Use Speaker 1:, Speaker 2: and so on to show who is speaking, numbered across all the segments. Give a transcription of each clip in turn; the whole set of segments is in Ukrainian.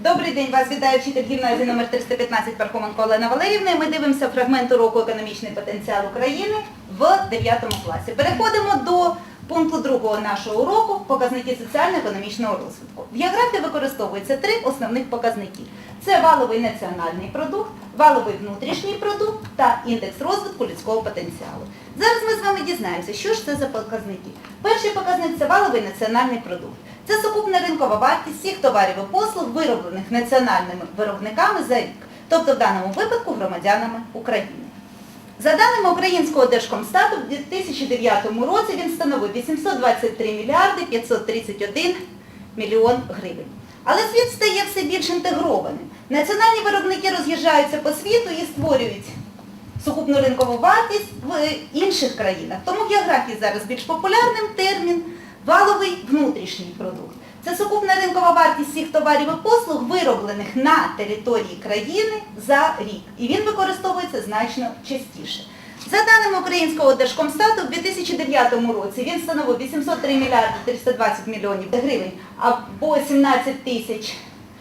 Speaker 1: Добрий день, вас вітає вчитель гімназії номер 315 Пархоменко Олена Валерівна. Ми дивимося фрагмент уроку «Економічний потенціал України» в 9 класі. Переходимо до пункту 2 нашого уроку «Показники соціально-економічного розвитку». В географії використовується 3 основних показники. Це валовий національний продукт, валовий внутрішній продукт та індекс розвитку людського потенціалу. Зараз ми з вами дізнаємося, що ж це за показники. Перший показник – це валовий національний продукт. Це сукупна ринкова вартість всіх товарів і послуг, вироблених національними виробниками за рік, тобто в даному випадку громадянами України. За даними Українського Держкомстату, в 2009 році він становив 823 мільярди 531 мільйон гривень. Але світ стає все більш інтегрованим. Національні виробники роз'їжджаються по світу і створюють сукупну ринкову вартість в інших країнах. Тому в географії зараз більш популярним термін валовий внутрішній продукт. Це сукупна ринкова вартість всіх товарів і послуг, вироблених на території країни за рік. І він використовується значно частіше. За даними Українського Держкомстату, в 2009 році він становив 803 мільярди 320 мільйонів гривень або 17 тисяч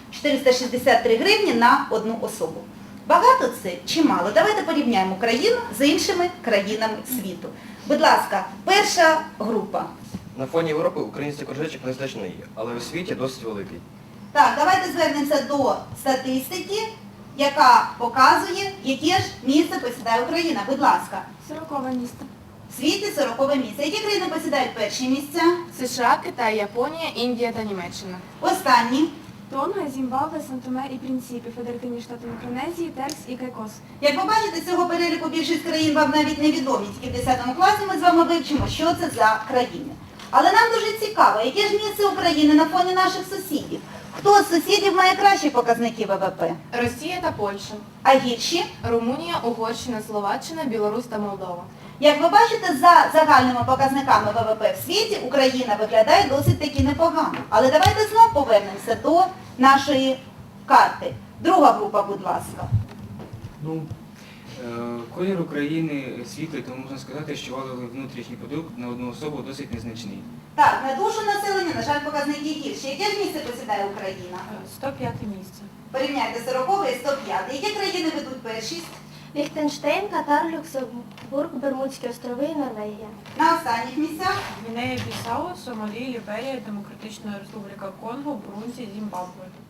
Speaker 1: 463 гривні на одну особу. Багато це чи мало? Давайте порівняємо Україну з іншими країнами світу. Будь ласка, перша група.
Speaker 2: На фоні Європи український кружечок незначний, але у світі досить великий.
Speaker 1: Так, давайте звернемося до статистики, яка показує, яке ж місце посідає Україна. Будь ласка.
Speaker 3: 40-е місце.
Speaker 1: В світі 40-е місце. Які країни посідають перші місця?
Speaker 3: США, Китай, Японія, Індія та Німеччина.
Speaker 1: Останні.
Speaker 3: Тонга, Зімбабве, Сан-Томе і Принципі, Федеративні Штати Мікронезії, Теркс і Кайкос.
Speaker 1: Як ви бачите, з цього переліку більшість країн вам навіть невідомі. Тільки в 10 класі ми з вами вивчимо, що це за країни. Але нам дуже цікаво, яке ж місце України на фоні наших сусідів? Хто з сусідів має кращі показники ВВП?
Speaker 3: Росія та Польща.
Speaker 1: А гірші?
Speaker 3: Румунія, Угорщина, Словаччина, Білорусь та Молдова.
Speaker 1: Як ви бачите, за загальними показниками ВВП в світі Україна виглядає досить таки непогано. Але давайте знову повернемося до нашої карти. Друга група, будь ласка.
Speaker 4: Колір України світлий, тому можна сказати, що валовий внутрішній продукт на одну особу досить незначний.
Speaker 1: Так, на душу населення, на жаль, показники гірші. Яке ж місце посідає Україна?
Speaker 3: 105 місце.
Speaker 1: Порівняйте 40 і 105. Які країни ведуть першість?
Speaker 5: Ліхтенштейн, Катар, Люксембург, Бермудські острови і Норвегія.
Speaker 1: На останніх місцях?
Speaker 6: Гвінея-Бісау, Сомалі, Ліберія, Демократична Республіка Конго, Бурунді, Зімбабве.